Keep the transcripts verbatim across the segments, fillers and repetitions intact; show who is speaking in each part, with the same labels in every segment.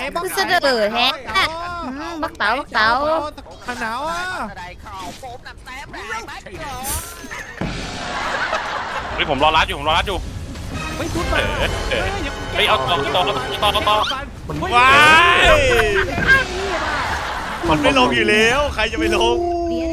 Speaker 1: คือเสนอแฮะบักเต๋าบักเต๋า
Speaker 2: หนาวอ่ะ
Speaker 3: เฮ้ยผมรอรัดอยู่ผมรอรัดอยู่
Speaker 2: ไม่ทุบมา
Speaker 3: เฮ้ยเอาต่อต่อต่อต่อต่อ
Speaker 4: ว้ายมันไม่ลงอยู่แล้วใครจะไปลง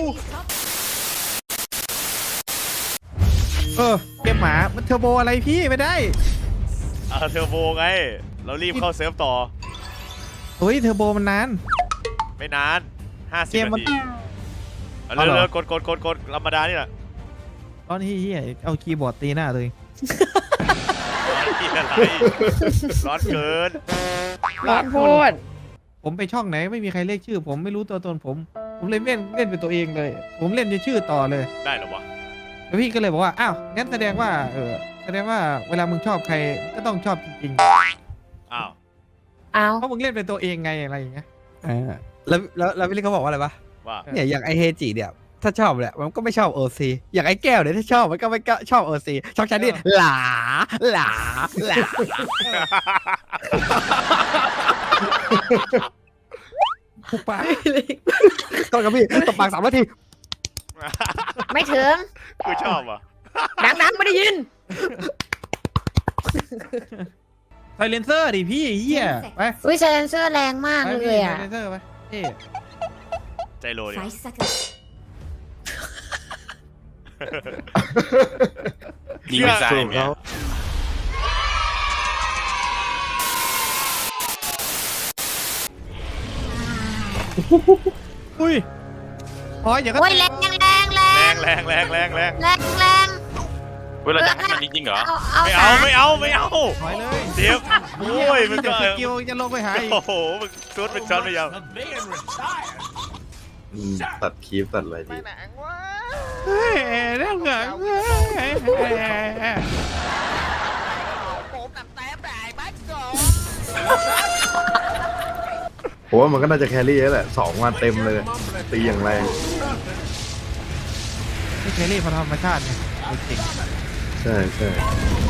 Speaker 2: เออเกมหมามันเทอร์โบอะไรพี่ไม่ได้
Speaker 4: เออเทอร์โบไงเรารีบเข้าเซิร์ฟต่อ
Speaker 2: เฮ้ยเทอร์โบมันนาน
Speaker 4: ไม่นานห้าสิบนาทีเร็วๆกดกดกดกดธรรมดานี่แหละ
Speaker 2: ร้อนเฮียเอาคีย์บอร์ดตีหน้าเลย
Speaker 4: ร้อนกินอะไรร้อนเกิน
Speaker 1: ร้อนพูด
Speaker 2: ผมไปช่องไหนไม่มีใครเรียกชื่อผมไม่รู้ตัวตนผมผมเลยเล่นเล่นเป็นตัวเองเลยผมเล่นชื่อต่อเลย
Speaker 4: ได้หรอวะ
Speaker 2: แล้วพี่ก็เลยบอกว่าอ้าวงั้นแสดงว่าเออแสดงว่าเวลามึงชอบใครก็ต้องชอบจริงๆ
Speaker 4: อ้าว
Speaker 1: อ้าว
Speaker 2: เพราะมึงเล่นเป็นตัวเองไงอะไรอย่างเงี้ย
Speaker 5: แล้วแล้วแล้วพี่ลิเขาบอกว่าอะไรปะ
Speaker 4: ว่า
Speaker 5: เนี่ยอย่างไอเฮจิเนี่ยถ้าชอบเนี่ยมันก็ไม่ชอบโอซีอย่างไอแก้วเนี่ยถ้าชอบมันก็ไม่ชอบโอซีชอบฉันนี่หลาหลาหลา
Speaker 2: ผูกปาก
Speaker 5: ต้นกับพี่ตบปากสามนาที
Speaker 1: ไม่ถึง
Speaker 4: กูชอบอ่ะ
Speaker 1: ดังๆไม่ได้ยิน
Speaker 2: ไซเลนเซอร์ดิพี่เฮียไป
Speaker 1: อุ้ยไซเลนเซอร์แรงมากเลยอ่ะ
Speaker 2: ไซเลนเซอร์ไปเฮ้
Speaker 4: ใจโลดิ
Speaker 3: ยิงไม่ใส่เนี่ย
Speaker 2: อุ้ยพออย่าก็
Speaker 1: โอ้ยแรงแรงแร
Speaker 4: งแรงแรงแรงแรง
Speaker 1: แรงแรง
Speaker 3: เวลาจะให้มันจริงๆเหรอ
Speaker 4: ไม่เอาไม่เอาไม่เอา
Speaker 2: ถอยเลย
Speaker 4: เดี๋ยวโอ้ยมันก็
Speaker 2: สกิลจะลงไปหาอีก
Speaker 4: โอ้โหมันซุดเป็นช็อตไม่ยาว
Speaker 6: ตัดคลิปตัดอะไรดี
Speaker 2: เฮ้ยเรื่องเงิน
Speaker 6: ผมว่ามันก็น่าจะแครี่แล้วแหละสองวันเต็มเลยตีอย่างแรง
Speaker 2: ไม่แครี่พอธรรมชาติเนี่ยจริง
Speaker 6: ใช่ใช่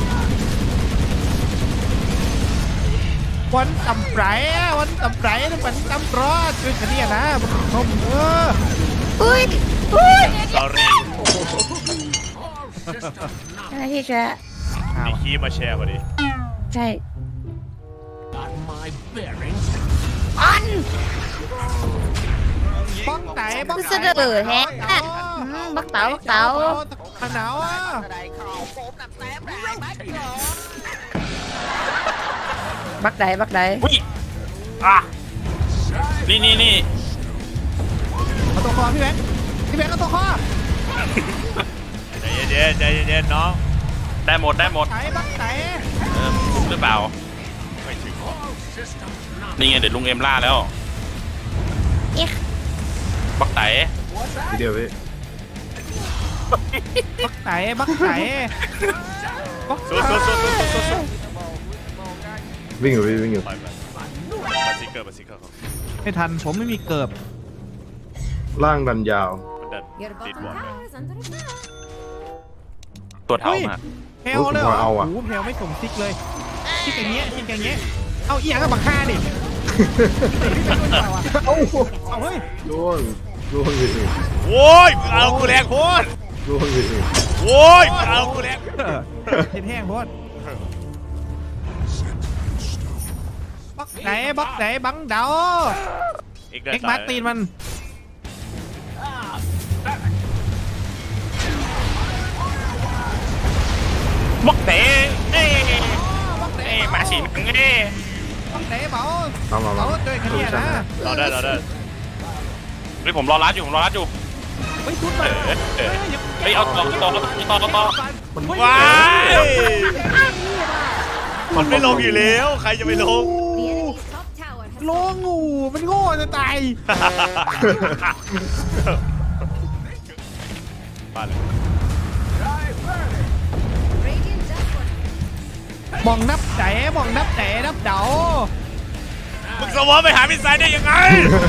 Speaker 2: วันต่ำไรวันต่ำไรนี่มันต่ำรอดช่วยกันเนี่ยนะมันชมเออ
Speaker 1: อุ้ยอุ้ย
Speaker 4: sorry
Speaker 1: อะไรที่จะ
Speaker 4: มีคีย์มาแชร์พอดี
Speaker 1: ใช่อัน
Speaker 2: บ้องไหนบ้อง
Speaker 1: เสนอแฮะบักเต๋าบักเต๋า
Speaker 2: หนาวอ่ะ
Speaker 1: บักไหนบักไหน
Speaker 3: อุ้ยอ่ะนี่นี่นี่
Speaker 2: เอาตัวคอพี่แบงค์พี่แบงค์เอาตัวคอ
Speaker 4: ใจเย็นใจเย็นน้อง
Speaker 3: ได้หมดได้หมด
Speaker 2: ไหนบักไหน
Speaker 3: เออหรือเปล่า
Speaker 4: ไม่ถึง
Speaker 3: นี่ไงเดี๋ยวลุงเอ็มล่าแล้วบักไต
Speaker 6: ทีเดียวพี่
Speaker 2: บักไหนบักไหน
Speaker 4: สู้สู้สู้สู้สู้สู้
Speaker 6: วิ่งอยู่วิ่งอยู่
Speaker 4: บาซิเกอร์บาซิเกอร์
Speaker 2: ไม่ทันผมไม่มีเกิบ
Speaker 6: ล่างดันยาว
Speaker 4: มันดันติดบอล
Speaker 3: ตัวเท่ามาก
Speaker 2: เพลเลยเหรอโอ้โหเพลไม่ส่งซิกเลยซิกอย่างเงี้ยซิกอย่างเงี้ยเอาเอียงกับบักฆ่าดิเอาเอาเฮ้ย
Speaker 6: ล่วงล่วงอยู่
Speaker 4: โว้ยเอากูแรงโคตร
Speaker 6: ล่วงอยู่
Speaker 4: โว้ยเอากูแรง
Speaker 2: เห็นแห้งโคตรบักไหนบักไหนบังเดาเอ็กมาตีนมัน
Speaker 3: บักเต๋เอ้เอ้มาสิมึงเอ้
Speaker 2: บักเต๋เบา
Speaker 6: เอามา
Speaker 2: เบาด้วยคะแนนนะ
Speaker 4: รอได้รอได้
Speaker 3: เฮ้ยผมรอรัดอยู่ผมรอรัดอยู่
Speaker 2: เฮ้ยทุบมา
Speaker 3: เฮ้ยเอาต่อต่อต่อต่อ
Speaker 4: ว้ายมันไม่ลงอยู่แล้วใครจะไปลง
Speaker 2: ลงงูมันโง่จะตาย
Speaker 4: บ้านเลย
Speaker 2: มองนับไหนมองนับไหนนับเดา
Speaker 4: มึงสวอปไปหาพิซซ่าได้ยังไง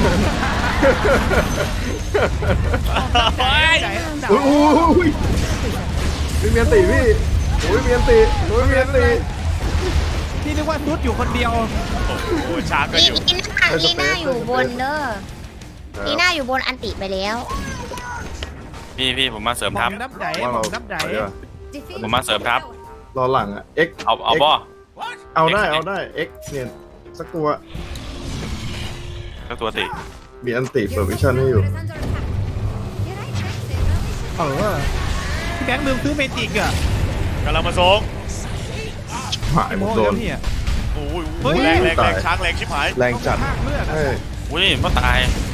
Speaker 6: โอ้ยมีเมียนตีพี่โอ้ยเมียนตีโอ้ยเมียนตี
Speaker 2: พี่นึกว่าซุดอยู่คนเดียว
Speaker 4: โอ้โหชาร์กก็
Speaker 1: ลี
Speaker 4: อยู่
Speaker 1: ลีน่าลีน่าอยู่บนเด้อลีน่าอยู่บนอันติไปแล้ว
Speaker 3: พี่พี่ผมมาเสริม
Speaker 2: บอ
Speaker 3: ทั
Speaker 2: ก
Speaker 3: พ
Speaker 2: นับไหน
Speaker 6: ว่า
Speaker 2: บ
Speaker 6: เรา
Speaker 2: อกนับไหน
Speaker 6: ไปดีกว่า
Speaker 3: ผมมาเสริมทัพ
Speaker 6: รอหลังอ่ะ X
Speaker 3: เอาเอาบ่
Speaker 6: เอาได้เอาได้ X เนี่ยสักตัว
Speaker 3: สักตัวสิ
Speaker 6: มีอันติเปิดวิชั่นให้อยู่
Speaker 2: เออพี่แบงค์ลืมซื้อเมจิกอะ
Speaker 4: กำลังมาส่ง
Speaker 6: หาย
Speaker 2: ไอ้
Speaker 6: หม
Speaker 2: โม่
Speaker 6: ดโด
Speaker 2: เดี๋ย
Speaker 6: น
Speaker 2: วพี่อะ
Speaker 4: โอ้ย
Speaker 2: เฮ้ย
Speaker 4: แรงแรงแรงช้างแรงชิบหาย
Speaker 6: แรงจัด
Speaker 2: ภาคเลือดอะ
Speaker 6: เอ้ย
Speaker 3: อุ้ยพ่อตาย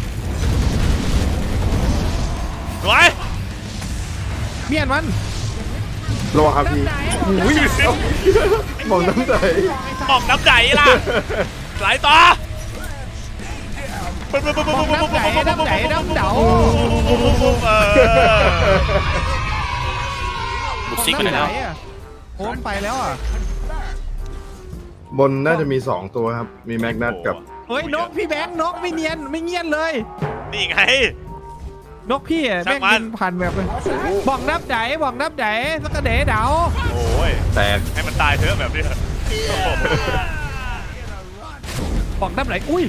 Speaker 4: สวย
Speaker 2: เมียนมัน
Speaker 6: ระวังครับพี่อุ้ยมองน้ำใจ
Speaker 4: ออกน้ำใจล่ะสายต่อ
Speaker 2: บอกนับไหนนับไหนนับเดา
Speaker 4: เออ
Speaker 3: บุกซิกไปไหนแล้ว
Speaker 2: อะโอ้มไปแล้วอ่ะ
Speaker 6: บนน่าจะมีสองตัวครับ มีแมกนัตกับ
Speaker 2: เฮ้ยนกพี่แบงค์นกไม่เนียนไม่เงียนเลย
Speaker 4: นี่ไง
Speaker 2: นกพี่อะ
Speaker 4: ช่า
Speaker 2: แม่
Speaker 4: ง
Speaker 2: ง
Speaker 4: มัน
Speaker 2: กินพันแบบเลยบอกนับไหนบอกนับไหนสักกระเดะเดา
Speaker 4: โอ้ย
Speaker 3: แตก
Speaker 4: ให้มันตายเถอะแบบนี้
Speaker 2: บอกนับไหนอุ้ย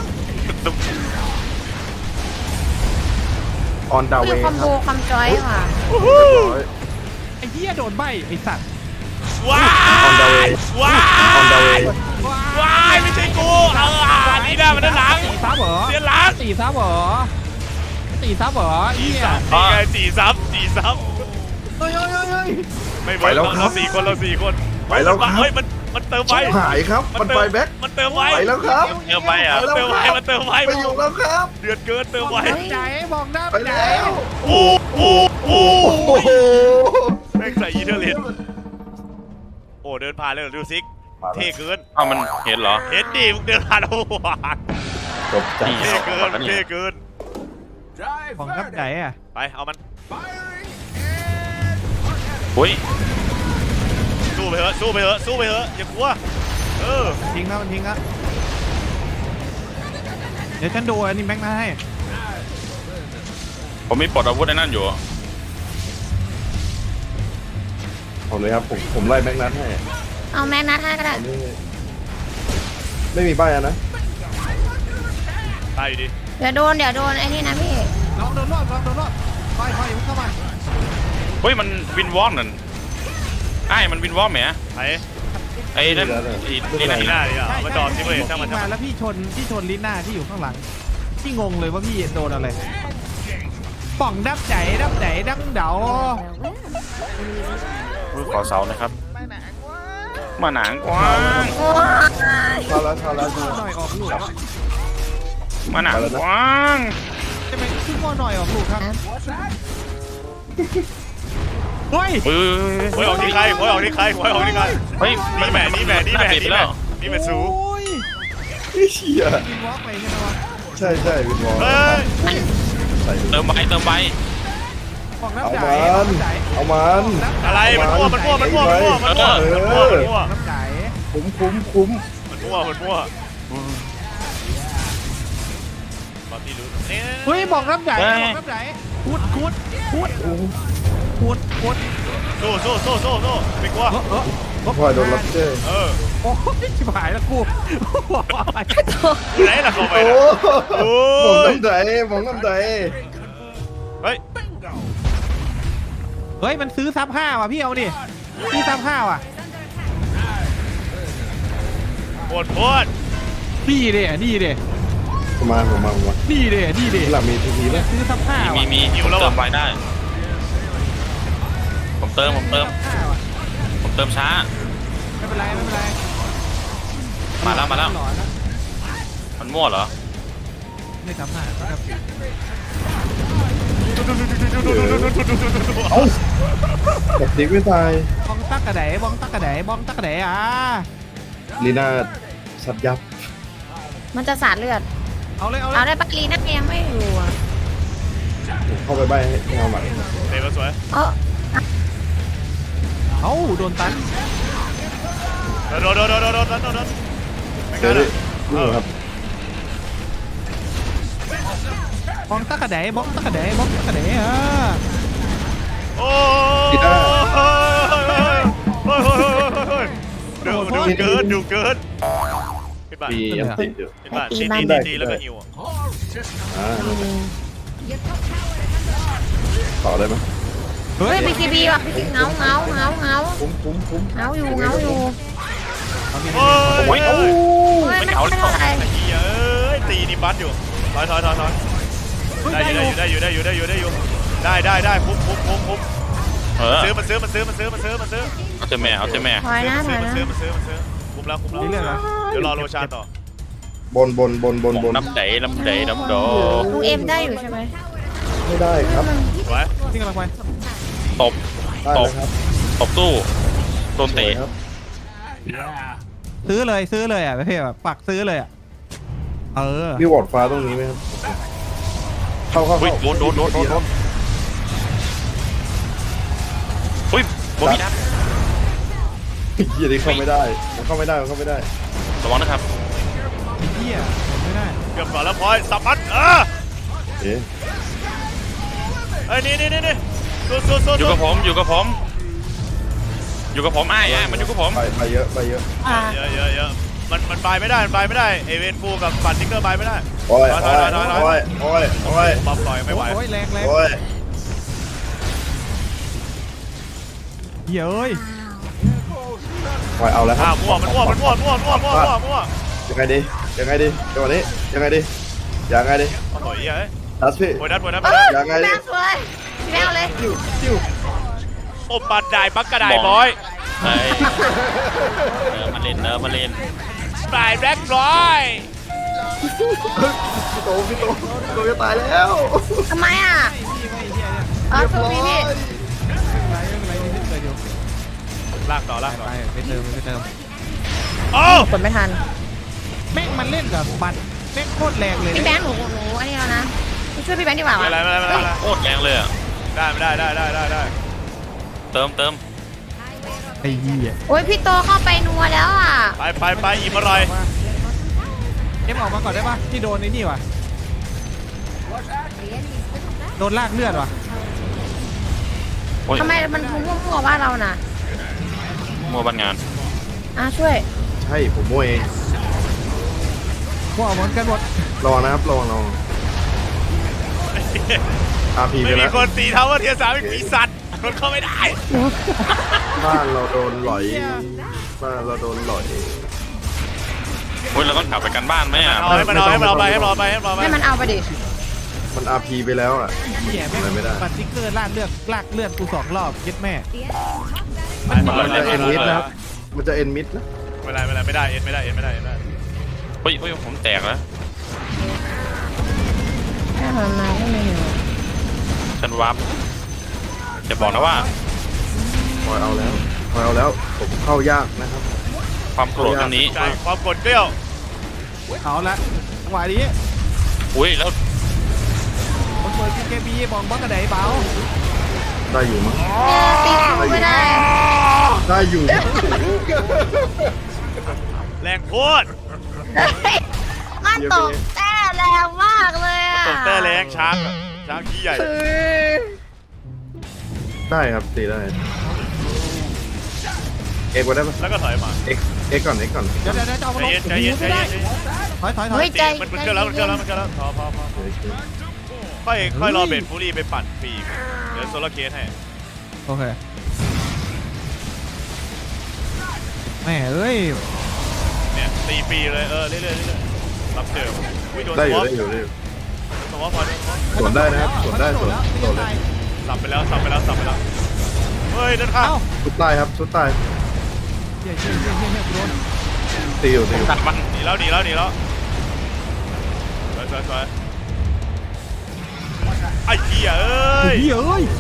Speaker 6: ออนดาวเว
Speaker 1: คือ
Speaker 6: ย์
Speaker 1: คอมโบคอมจอยค่ะ
Speaker 6: เรียบร้อย
Speaker 2: ไอ้เหี้ยโดนใบไอ้สัตว์
Speaker 4: ว้า
Speaker 6: ออนดาวเวย ย์
Speaker 4: ว้า
Speaker 6: ออนดาวเวย์
Speaker 4: ว้ายไม่ใช่กูเออนี่ได้มันด้านหลัง
Speaker 2: ตีซับเหรอ
Speaker 4: เสียหลัง
Speaker 2: ตีซับเหรอตีซับเหรอ
Speaker 4: จี
Speaker 2: เหี้ย
Speaker 4: ซับนี่ไงจีซับจีซับ
Speaker 2: เฮ้ยเฮ้ยเฮ้ยเฮ้ย
Speaker 4: ไม่เวิร์กเราเราสี่คนเราสี่คน
Speaker 6: ไปแล้วครับ
Speaker 4: เฮ้ยมันมันเติมไว้
Speaker 6: หายครับ มันไปแบ็ค
Speaker 4: มันเติมไว้
Speaker 6: ไปแล้วครับ
Speaker 3: เยอะไปอ่ะ
Speaker 4: มันเติมไว้มันเติมไว้
Speaker 6: ไปอยู่แล้วครับ
Speaker 4: เดือดเกินเติม
Speaker 2: บอก
Speaker 4: ไว้
Speaker 2: นับไหนบอกนับ
Speaker 6: ไป
Speaker 2: ไหน
Speaker 6: แล้ว
Speaker 4: โอ้โหโอ้
Speaker 6: โอ้โห
Speaker 4: แม่งใส่อีเทอร์เลนโอ้เดินผ่านเลยดูซิกเท่เกิน
Speaker 3: เอ้ามันเห็นเหรอ
Speaker 4: เห็นดิมึงเดินผ่านโอ้โห
Speaker 6: จบจัด
Speaker 4: เท่เกินเท่เกิน
Speaker 2: บอกนับไหนอ่ะ
Speaker 4: ไปเอามัน
Speaker 3: อุ้ย
Speaker 4: สู้ไปเถอะสู้ไปเถอะสู้ไปเถอะอย่ากลัวเออ
Speaker 2: ทิ้งแล้วมันทิ้งแล้วเดี๋ยวฉันดูอันนี้แม็กนาให้
Speaker 3: ผมมีปลดอาวุธในนั่นอยู่
Speaker 6: ผมเลยครับผมผมไล่แม็กนัทให้
Speaker 1: เอาแม็กนัทให้ก็ได้
Speaker 6: อันนี้ไม่มีป้ายอะนะ
Speaker 4: ตายอยู่ดี
Speaker 1: เดี๋ยวโดนเดี๋ยวโดนไอ้นี่นะพี่
Speaker 2: ลองโดนรอบลองโดนรอบคอยคอยมึงเข้ามา
Speaker 3: เฮ้ยมันวินวอร์มนั่นไอ้มันวินวอร์มไหม
Speaker 4: ไป
Speaker 3: ไอ้นั่นไอ้นี่ไหน
Speaker 4: ที่หน้า
Speaker 3: นะ
Speaker 4: ดิอ่ะมาจอดที่บริเวณช่างมัน
Speaker 2: วิ่
Speaker 4: ช่าง
Speaker 2: มา
Speaker 4: มัน
Speaker 2: แล้วพี่ชนพี่ชนลิน่าที่อยู่ข้างหลังพี่งงเลยว่าพี่โดนอะไรป่องดับใจดับใจดังเดา
Speaker 3: อุ้ยขอเสานะครับ มาหนังกว้าง
Speaker 1: โอ้ย
Speaker 6: ชาแล้วชาแล้ว
Speaker 2: ขึ้นหน่อยออกลูก
Speaker 3: มาหนังกว้าง
Speaker 2: ใช่ไหมขึ้นหน่อยออกลูกครับเฮ้ย
Speaker 3: เฮ้ย
Speaker 4: หวยออกที่ใครหวยออกที่ใครหวยออกที่ใคร
Speaker 3: เฮ้ย
Speaker 4: นี่แหม่นี่แหม่นี่แหม่นี่แหม่นี่แหม่สู
Speaker 2: โอ้ย
Speaker 6: เชี่ย
Speaker 2: กินวอล์กไปใช่ไหมวะ
Speaker 6: ใช่ใช่วินวอล
Speaker 4: เฮ้ย
Speaker 6: ใส่
Speaker 3: เติมไปเติมไป
Speaker 2: ป่องดับ
Speaker 6: เอา
Speaker 2: ใจ
Speaker 6: มัน
Speaker 2: ดับใจ
Speaker 6: เอามัน
Speaker 4: อะไรมันมั่วมันมั่วมันมั่วมันมั่วมันมั่วมันมั่วมันมั่ว
Speaker 2: ดับใจ
Speaker 6: คุ้มคุ้มคุ้ม
Speaker 4: มันมั่วมันมั่วตอนที่รู้เนี่ย
Speaker 2: เฮ้ยบอกดับใจบอกดับใจพูดพูดพูดพูดพูด
Speaker 4: สู้สู้สู้สู้สู้ไม่กลัว
Speaker 2: เออเออเออ
Speaker 6: พลอยโดนรับเจ้
Speaker 4: เออ
Speaker 2: โอ้ยชิบหายแล้วกู
Speaker 4: ไหนล่ะเข้าไป
Speaker 6: โอ้
Speaker 4: นะโอ้
Speaker 6: มอง
Speaker 4: ย
Speaker 6: น้ำใจมองน้ำใจ
Speaker 4: เฮ้ย
Speaker 2: เฮ้ยมันซื้อซับห้าว่ะพี่เอาดิซื้อซับห้าว่ะ
Speaker 4: โคตรโคตร
Speaker 2: ดีเด้ดีเด้
Speaker 6: ผมมาผมมาผมมา
Speaker 2: ดีเด้ดีเด้
Speaker 6: หลังมีทีทีแล้ว
Speaker 2: ซื้อซับห้า
Speaker 3: มี
Speaker 2: ว่ะ
Speaker 3: มีมีผมเติมไปได้ ผมเติมผมเติม
Speaker 2: ซับห้าว่ะ
Speaker 3: ผมเติมช้า
Speaker 2: ไม่เป็นไรไม่เป็นไร
Speaker 3: มาแล้วมาแล้ว
Speaker 2: หลอนนะ
Speaker 3: มันมั่วเหรอ
Speaker 2: ไม่ซับห้าซับสี่
Speaker 6: เอ้าแบบติ๊กไม่ตาย
Speaker 2: บ้องตักกระไดบ้องตักกระไดบ้องตักกระไดอ่ะ
Speaker 6: ลีน่าสัตยับ
Speaker 1: มันจะสาดเลือด
Speaker 2: เอาเลยเอาเล
Speaker 1: เอา
Speaker 2: ย
Speaker 1: ได้ปะลีน่ายังไม่อยู่อ่ะ
Speaker 6: ผมเข้าไปใบให้เงาใหม่
Speaker 4: เตะมาสวย
Speaker 1: เออ
Speaker 2: เอ้าโดนตัน
Speaker 4: โดนโดนโดนโดนโดนโดนโดน
Speaker 6: เดี๋ยวดินี่ครับ
Speaker 2: บ้องตักกระไดบ้องตักกระไดบ้องตักกระไดอ่ะ
Speaker 4: โอ้
Speaker 6: ลีน่า
Speaker 4: เฮ้ยเฮ้ยเฮ้ยเฮ้ยเฮ้ยเดี๋ยวดูเกินดูเกินขึ้นบ้าน
Speaker 6: ปียังติดอยู่
Speaker 4: ขึ้นบ้านตีตีตีตีแล้วก็หิว
Speaker 6: อ่าต่อได้ไหม
Speaker 2: เฮ้
Speaker 1: เฮ้
Speaker 2: ย
Speaker 1: ยบีคีบีว่ะเงาเงาเงาเงา
Speaker 6: คุ้มคุ้มคุ้ม
Speaker 1: เงาอยู่เงาอยู่
Speaker 4: โอ้ย
Speaker 3: โอ้ย
Speaker 4: เอ้า
Speaker 1: เฮ้ยไม่เป็นไร
Speaker 4: ไอ้เหี้ยเอ้ยตีนี่บัสอยู่ถอยถอยถอยถอยได้อยู่ได้อยู่ได้อยู่ได้อยู่ได้อยู่ได้อยู่ได้ได้คุ้มคุ้มคุ้มคุ้ม
Speaker 3: เออ
Speaker 4: ซื้อมาซื้อมาซื้อมาซื้อมาซื้อมาซื้อ
Speaker 3: เอาเจอแม่เอาเจอแม่
Speaker 1: ถอยนะถ
Speaker 4: ซื้
Speaker 1: อ
Speaker 4: อย มา
Speaker 1: นะ
Speaker 4: ซื้อมาซื้อมาซื้อคุ้มแล้วคุ้มแล้ว
Speaker 2: นี่เรื่องอะไร
Speaker 4: เดี๋ยวรอโรชาต่อบ
Speaker 6: นบนบนบนบน
Speaker 3: น้ำใจน้ำใจน้ำดอ
Speaker 1: ลูกเอ็มได้อยู่ใช่ไหม
Speaker 6: ไม่ได้ครับ
Speaker 4: สวย
Speaker 2: นี่กำลังไป
Speaker 3: ตบ
Speaker 6: ได้เลยครับ
Speaker 3: ตบตู้โดน
Speaker 6: สวย
Speaker 3: เตะ
Speaker 6: ครับ
Speaker 2: ซื้อเลยซื้อเลยอ่ะพี่แบบปักซื้อเลยอ่ะเออ
Speaker 6: มีวอร์ดฟ้าตรงนี้ไหมครับเข้าเข้า
Speaker 3: อุ้ย
Speaker 6: เข้า
Speaker 3: โดนโดนโดนโดนโดนอุ้ยบอมีดับ
Speaker 6: เฮียนี่เข้าไม่ได้มันเข้าไม่ได้มันเข้าไม่ได้
Speaker 3: ระวังนะครับ
Speaker 2: ไอ้เหี้ยผมไม่ได้
Speaker 4: เกือบก่อนแล้วพลอยสับมันเออ
Speaker 6: เอ๊ะ
Speaker 4: ไอ้นี่นี่นี่นี่สู้สู้สู้
Speaker 3: อยู่กับผมอยู่กับผม อยู่กับผมไอ้ไอ้มันอยู่กับผม
Speaker 6: ไปไปเยอะไปเยอะ
Speaker 1: อ่า
Speaker 4: เยอะเยอะเยอะมันมันไปไม่ได้มันไปไม่ได้เอเวนฟูกับปัดทิกเกอร์ไปไม่ได้
Speaker 6: โอ้ย
Speaker 4: ถ
Speaker 6: โอ้
Speaker 4: อย
Speaker 6: ย
Speaker 4: ถอยถอยถอย
Speaker 6: โอ้ยโอ้ยโอ้ย
Speaker 4: ปั๊มต่อยไม่ไหว
Speaker 2: โอ้ยแรงแรง
Speaker 6: โอ้ย
Speaker 2: เหี้ยเอ้ย
Speaker 6: โอ้ยเอาแล้วค
Speaker 4: อ้า
Speaker 6: รั
Speaker 4: ว
Speaker 6: บ
Speaker 4: มั่วมันมั่วมันมั่วมั่วมั่วมั่วมั่วมั่ว
Speaker 6: ยังไงดียังไงดีจังหวะนี้ยังไงดียังไงดี
Speaker 4: โอ้ยเฮ้ย
Speaker 6: ทัสพี่
Speaker 4: โอ้ยนัดโอ้ยนัด
Speaker 1: เอ
Speaker 4: ไป
Speaker 1: อ
Speaker 6: ยังไง
Speaker 1: พี่
Speaker 6: ดิ
Speaker 1: แม่สวยพี่แม่เอาเลย
Speaker 4: โอ้ปัดได้ปักกระไดบอย
Speaker 3: ไอ้เออมาเล่นเนอะมาเล่น
Speaker 4: ปลายแบล็คร้อย
Speaker 6: พี่โตพี่โตพี่โตจะตายแล้ว
Speaker 1: ทำไมอ่ะเออคือพี่พี่
Speaker 2: ไรไรนี่เคยดู
Speaker 4: ลากต่อลากต่อ
Speaker 2: ไปไปเติมไปเติม
Speaker 4: โอ้
Speaker 1: กดไม่ทัน
Speaker 2: แม่งมันเล่นกับบัตรแม่งโคตรแรงเลย
Speaker 1: พี่แบงค์หนูหนูอันนี้แล้วนะพี่ช่วยพี่แบงค์ดีกว่า
Speaker 4: ไม่
Speaker 1: วะ
Speaker 4: เป็นไรไม่เป็นไรไม่เป็นไร
Speaker 3: โคตรแรงเลยอ่ะ
Speaker 4: ได้ไม่ได้ได้ได้ได้ได้
Speaker 3: เติมเติม
Speaker 2: ไอ้เหี้ย
Speaker 1: โอ้ยพี่โตเข้าไปนัวแล้วอ่ะ
Speaker 4: ไปไปไปอิ่มอร่อย
Speaker 2: เอ็มออกมาก่อนได้ปะที่โดนไอ้นี่ว่ะโดนลากเลือดว่ะ
Speaker 3: โอ้ย
Speaker 1: ทำไมมันพุ่งมั่วๆว่าเราน่ะ
Speaker 3: มัวบันงาน
Speaker 1: อ่ะช่วย
Speaker 6: ใช่ผมโมเอง
Speaker 2: พวกเอาเหมือนกันหมด
Speaker 6: รอนะครับรอรออาพีไป
Speaker 4: ไม่มี
Speaker 6: แล้ว
Speaker 4: คนตีเท่าว่าเทียสามเป็นปีศาจคนเข้าไม่ได้
Speaker 6: บ้านเราโดนหลอยบ้านเราโดนหลอย
Speaker 3: โอ้ยเราต้องกลับไปกันบ้านไหมอ่ะ
Speaker 4: เอาให้มันเอาให้มันเอาไปให้มันเอาไปให้มันเอาไป
Speaker 1: ให้มันเอาไปดิ
Speaker 6: มันอาพีไปแล้วอ่ะ
Speaker 2: เหี้ยแม่ง
Speaker 6: อะไรไม่ได้
Speaker 2: บัตรติ๊กเกอร์ลากเลือดลากเลือดกูสองรอบยึดแม่
Speaker 4: มัน
Speaker 6: มันจะเอ็นมิดนะครับมันจะเอ็นมิดนะ
Speaker 4: ไม่ได้ไม่ได้ไม่ได้เอ็นไม่ได้เอ็นไม่ได้เอ็นไม่ได้
Speaker 3: เฮ้ยเฮ้ยผมแตกแล้ว
Speaker 1: ให้มันมาให้มันอยู่
Speaker 3: ฉันวับจะบอกนะว่า
Speaker 6: คอยเอาแล้วคอยเอาแล้วผมเข้ายากนะครับ
Speaker 3: ความโกรธครั้งนี้
Speaker 4: ใจความกดเกลี้ยว
Speaker 2: เอาละจังหวะนี้
Speaker 3: อุ้ยแล้ว
Speaker 2: มันเปิดเคบีมองบักกระไดเบา
Speaker 6: ได้อยู่มั้ง
Speaker 1: ตีสู้ไม่ได้
Speaker 6: ได้อยู่
Speaker 4: แรงโคตร
Speaker 1: เฮ้ยมันตกแต่แรงมากเลยอ่ะ
Speaker 4: ตกแต่แรงช้างอะช้างขี้ใหญ่
Speaker 1: คือ
Speaker 6: ได้ครับตีได้เอ็กซ์ก็ได้ปะ
Speaker 4: แล้วก็ถอยมา
Speaker 6: เอ็กซ์เอ็กซ์ก่อนเอ็กซ์ก่อน
Speaker 2: เดี๋ยวเดี๋ยวเดี๋ยวจะเอา
Speaker 4: ใจ
Speaker 2: มาลง
Speaker 4: เย็นใจเย็นใจเย็นใจเย็น
Speaker 2: ถอยถอยถอ
Speaker 1: เฮ้
Speaker 2: ย
Speaker 1: ยใจ
Speaker 4: มันมันเกินแล้วมันเกินแล้วมันเกินแล้วพอพอพอ
Speaker 6: โอเค
Speaker 4: ค่อยค่อยรอเบนฟูรี่ไปปั่นฟรีเดี๋ยวโซลาร์เคสให้
Speaker 2: โอเคแม่เอ้ย
Speaker 4: เนี่ยตีฟรีเลยเออเรื่อยๆเรื่อยๆรับเจอวิ่งโดน
Speaker 6: ได้อ
Speaker 4: ส
Speaker 6: ยู่
Speaker 4: วอป
Speaker 6: ได้อยู่ได้อยู่
Speaker 4: สวอปพอโดนสวอป
Speaker 6: สวนได้นะครับสวนได้สวนสวนเลย
Speaker 4: สับไปแล้วสับไปแล้วสับไปแล้วเฮ้ยด้านข้าง
Speaker 2: เอ้า
Speaker 6: ชุดใต้ครับชุดใต้
Speaker 2: เหี้ยเหี้ยเหี้ยเหี้ยเหี้ยกูโดน
Speaker 6: ตีอยู่ตีอยู่
Speaker 3: ตัดมัน
Speaker 4: หนีแล้วหนีแล้วหนีแล้วสวยสวยสวยไอ้เหี้ยเอ้ย
Speaker 2: เหี้ยเอ้ย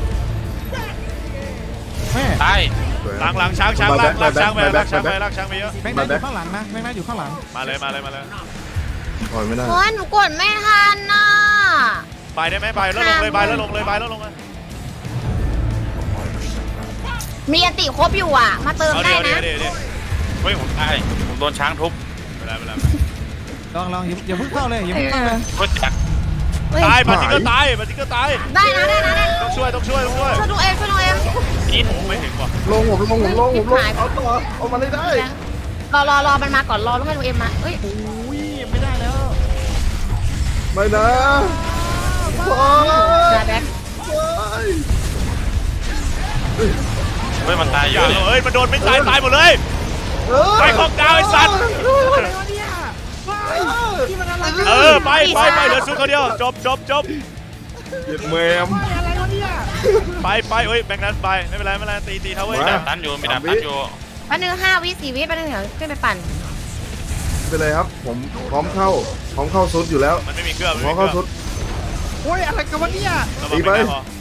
Speaker 2: แม่
Speaker 3: ตาย
Speaker 6: สวย
Speaker 4: หลังหลังช้างช้างลากลากช้างไปลากช้างไปลากช้างไปเยอะ
Speaker 2: แม็กนัทอยู่ข้างหลังนะแม็กนัทอยู่ข้างหลัง
Speaker 4: มาเลยมาเลยมาเลย
Speaker 6: ถอยไม่ได้
Speaker 1: โอ้ยหนูกดไม่ทันน่ะ
Speaker 4: ไปได้ไหมไปแล้วลงเลยไปแล้วลงเลยไปแล้วลงเลย
Speaker 1: มีอันติครบอยู่อ่ะ มาเติม
Speaker 4: เอา
Speaker 1: ได้
Speaker 4: เดี๋ยว
Speaker 1: นะ
Speaker 4: เดี๋ยวเดี๋ยว
Speaker 3: เฮ้ยผมตายผมโดนช้างทุบ
Speaker 4: ไม่ได้ไม่ได้
Speaker 2: ลองลองอย่าอย่าเพิ่งเข้าเลยอย่าเพิ่งเข้าเลย
Speaker 3: รถจักร
Speaker 1: เฮ้ย
Speaker 4: ตายปาจิก็ตายปาจิก็ตาย
Speaker 1: ได้นะได้นะได้นะ
Speaker 4: ต้องช่วยต้องช่วยต้องช่วย
Speaker 1: ช่วยดูเอ็มช่วยดูเอ็ม
Speaker 3: อิน
Speaker 4: ไม่ถึงว่ะ
Speaker 6: ลงผมลงผมลงผมลงเอาต่อเอามาได้ได้
Speaker 1: รอรอรอมันมาก่อนรอแล้วให้ลุงเอ็มมาเอ้ย
Speaker 2: อุ้ยไม่ได้แล้ว
Speaker 6: ไม่นะโอ้ย
Speaker 1: แบ็ค
Speaker 3: เฮ้ยมันตายอ
Speaker 4: อย่ ย่าเอ้ยมันโดนไม่ตายตายหมดเลยไปของดาวไอ้สัตว์
Speaker 2: อะไรวะเนี่ยว้ายที่มันอะไรกัน
Speaker 4: เออไปไปไปเหลือซุดเขาเดียวจบจบจบ
Speaker 6: เย็ดแมม
Speaker 2: อะไรวะเนี่ย
Speaker 4: ไปไปเฮ้ยแบงค์นั้นไปไม่เป็นไรไม่เป็นไรตีตีเท่าเว้ย
Speaker 3: มีดาบตันอยู่มีดาบตันอยู่
Speaker 1: แป๊บนึงห้าวิสี่วิแป๊บนึงเดี๋ยวขึ้นไปปั่น
Speaker 6: ไปเลยครับ ผมพร้อมเข้าพร้อมเข้าซุดอยู่แล้ว
Speaker 4: มันไม่มีเครื่อง
Speaker 6: พร้อมเข้าซุด
Speaker 2: โอ้ยอะไรกันวะเนี่ย
Speaker 6: ตีไป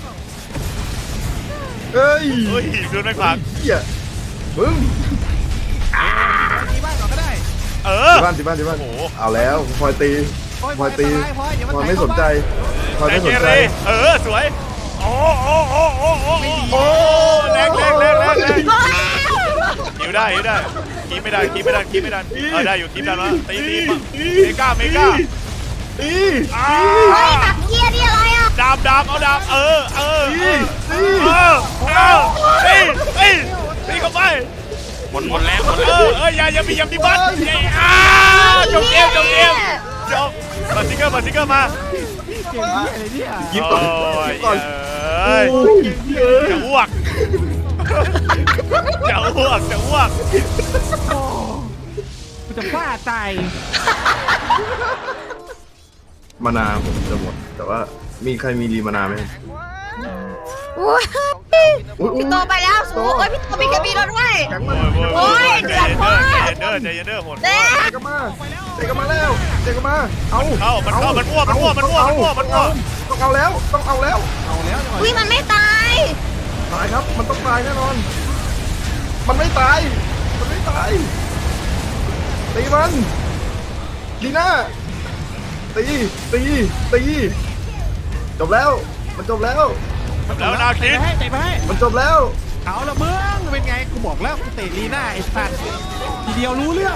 Speaker 6: เฮ้ย
Speaker 4: เฮ้ยดูไม่ขวาง
Speaker 6: เหี้ยมึง
Speaker 2: ตีบ้านก่อนก็ได้
Speaker 4: เออ
Speaker 6: ที่บ้านที่บ้านที่บ้าน
Speaker 4: โอ้โห
Speaker 6: เอาแล้วพลอยตี
Speaker 2: โอ้ย
Speaker 6: พลอยตี
Speaker 2: พลอยอย่ามา
Speaker 6: พลอย
Speaker 2: แตะ
Speaker 6: ไม่สนใจพลอย
Speaker 4: ไอ
Speaker 6: ไม่ส
Speaker 4: เก
Speaker 6: นใจ
Speaker 4: เรเออสวยโอ้โอ้โอ้โอ้โอ้โอ้แรงแรงแรงแรงแรงหิวได้หิวได้คีไม่ได้คีไม่ได้คีไม่ได้เออได้อยู่คีได้แล้วตีตีเมกาเมกา
Speaker 6: ตี
Speaker 4: อ้า
Speaker 1: เฮ้ยตักเกียร์นี่อะไรอ่ะ
Speaker 4: ดาบดาบเอาดาบเออเออ
Speaker 6: ตีตี
Speaker 4: เออเออตีตีตีเข้าไป
Speaker 3: หมดหมดแล้วหมด
Speaker 4: เอ
Speaker 3: แล้ว
Speaker 4: อเอออย่าอย่ามีอย่ามีบัตรอ้าจบเกมจบเกมจบมาซิกเกอร์มาซิกเกอร์มา
Speaker 2: เก่งที่อะไรเนี่ย
Speaker 6: ยิบก่อน
Speaker 4: โอ้ย
Speaker 6: ยิบก่อน
Speaker 4: เอ้ย
Speaker 6: โอ้ยเยอะ
Speaker 4: จะอ้วกจะอ้วกจะอ้วก
Speaker 2: โอ้กูจะบ้าตาย
Speaker 6: มานาผมจะหมด แต่ว่ามีใครมีรีมานาไหม
Speaker 1: โอ้ย
Speaker 6: อุ๊ยอุ๊ย
Speaker 1: พี่โตไปแล้วสูโอ้ยพี่โตมีกระบี่รถด้วย
Speaker 6: แข็ง
Speaker 4: โอ้
Speaker 6: มาย ก
Speaker 4: โอ้ย
Speaker 1: โอ้ยเดือดมาก
Speaker 4: ใจเย็นเด้อใจเย็นเด้อโหด
Speaker 1: เด้
Speaker 6: เตะกันมาเตะกันมาแล้วเตะกันมาเอา
Speaker 4: เข้ามันเข้ามันมั่วมันมั่วมันมั่วมันมั่วมันมั่ว
Speaker 6: ต้องเอาแล้วต้องเอาแล้ว
Speaker 2: เอาแล้วจังหวะ
Speaker 1: อุ้ยมันไม่ตาย
Speaker 6: ตายครับมันต้องตายแน่นอน มันไม่ตายมันไม่ตายตีมันลีน่าตีตีตีจบแล้วมันจบแล้ว
Speaker 4: แล้วนา
Speaker 2: เตะ
Speaker 4: คิด
Speaker 2: ไปให้เตะไปให้
Speaker 6: มันจบแล้ว
Speaker 2: เอาละมึงเป็นไงกูบอกแล้วกูเตะลีน่าไอ้สัตว์ทีเดียวรู้เรื่อง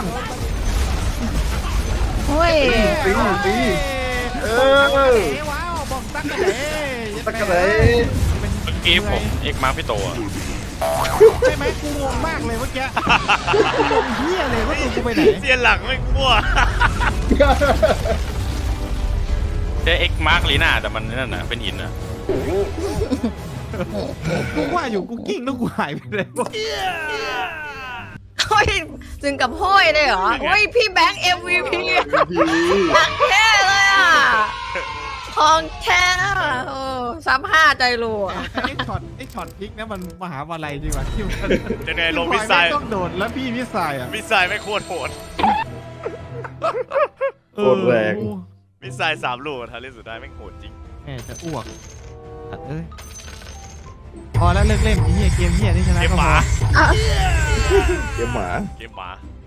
Speaker 1: เฮ้ย
Speaker 6: ตีตี เออ
Speaker 2: บอกตั๊กกะเด๋ว้าวบอกตั๊กกะเด๋
Speaker 6: ตะกะเลย
Speaker 3: เมื่อกี้ผมเอกมาพี่โตอะ
Speaker 2: ใช่ไหมกูงงมากเลยเมื่อกี้กูงงเฮียเลยว่าตัวกูไปไหน
Speaker 4: เสียหลังไม่มั่ว
Speaker 3: ได้เอ็กมาร์กลีน่าแต่มันนั่นนะเป็นหินนะ
Speaker 2: กูว่าอยู่กูกิ้งแล้วกูหายไปเลยวะ
Speaker 1: เฮ้ยถึงกับห้อยเลยเหรอเฮ้ยพี่แบงค์ เอ็ม วี พี ทักแท้เลยอ่ะทองแท้อะโอ้ซ้ำห้าใจรัว
Speaker 2: ไอ้ช็อตไอ้ช็อตพลิกนะมันมหาวิทยาลัยจริงวะที่มัน
Speaker 4: จะไงลงมิสไซล์
Speaker 2: ต้องโดดแล้วพี่มิสไซล์อ่ะ
Speaker 4: มิสไซล์ไม่โคตรโหด
Speaker 6: โคตรแรง
Speaker 4: มิสไซล์สามลูกทันเล่นสุดท้ายไม่งโหดจริง
Speaker 2: แหมจะอ้วกตัดเอ้ยพอแล้วเลิกเล่นไอ้เหี้ยเกมเหี้ยนี่ชนะ
Speaker 4: เกม
Speaker 2: ก็
Speaker 4: ห
Speaker 2: พ
Speaker 4: มา
Speaker 2: อ
Speaker 6: เกมหมา
Speaker 4: เกมหมา